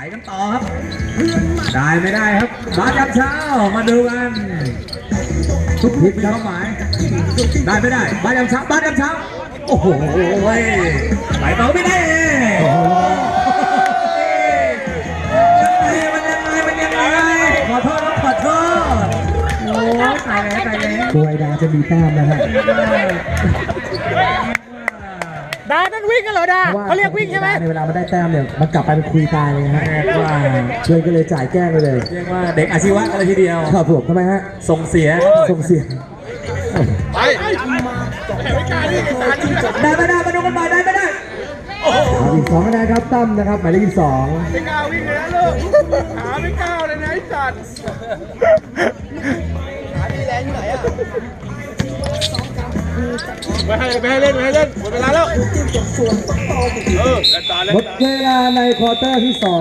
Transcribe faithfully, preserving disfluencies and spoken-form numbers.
กันต่อครับได้ไม่ได้ครับมาจากเช้ามาดูกันทุกทีมมีเป้าหมายได้ไม่ได้มาจากเช้ามาจากเช้าโอ้โหไหลต่อไม่ได้มันยังไงมันยังไงขอโทษครับขอโทษโอ้ตายแล้วตายแล้วตัวไอดาจะมีแต้มนะฮะดานั่นวิ่งกันเหรอดาเขาเรียกวิ่งใช่ไหมในเวลามันได้แต้มเนี่ยมันกลับไปเป็นคุยตายเลยฮะเรียกว่าเพื่อนก็เลยจ่ายแกล้งไปเลยเรียกว่าเด็กอาชีวะกันเลยทีเดียวครับผมทำไมฮะส่งเสียส่งเสียงได้ไม่ได้มาดูกันหน่อยได้ไม่ได้เอาอีกสองคะแนนครับตั้มนะครับหมายเลขยี่สิบสองไม่กล้าวิ่งเลยนะลูกขาไม่กล้าเลยนะไอ้สัตว์ขาดีแรงอยู่ไหนอ่ะไม่ให้ไม่ให้เล่นไม่ให้เล่นหมดเวลาแล้วเออเล่นต่อเล่นหมดต่อเวลาในควอเตอร์ที่สอง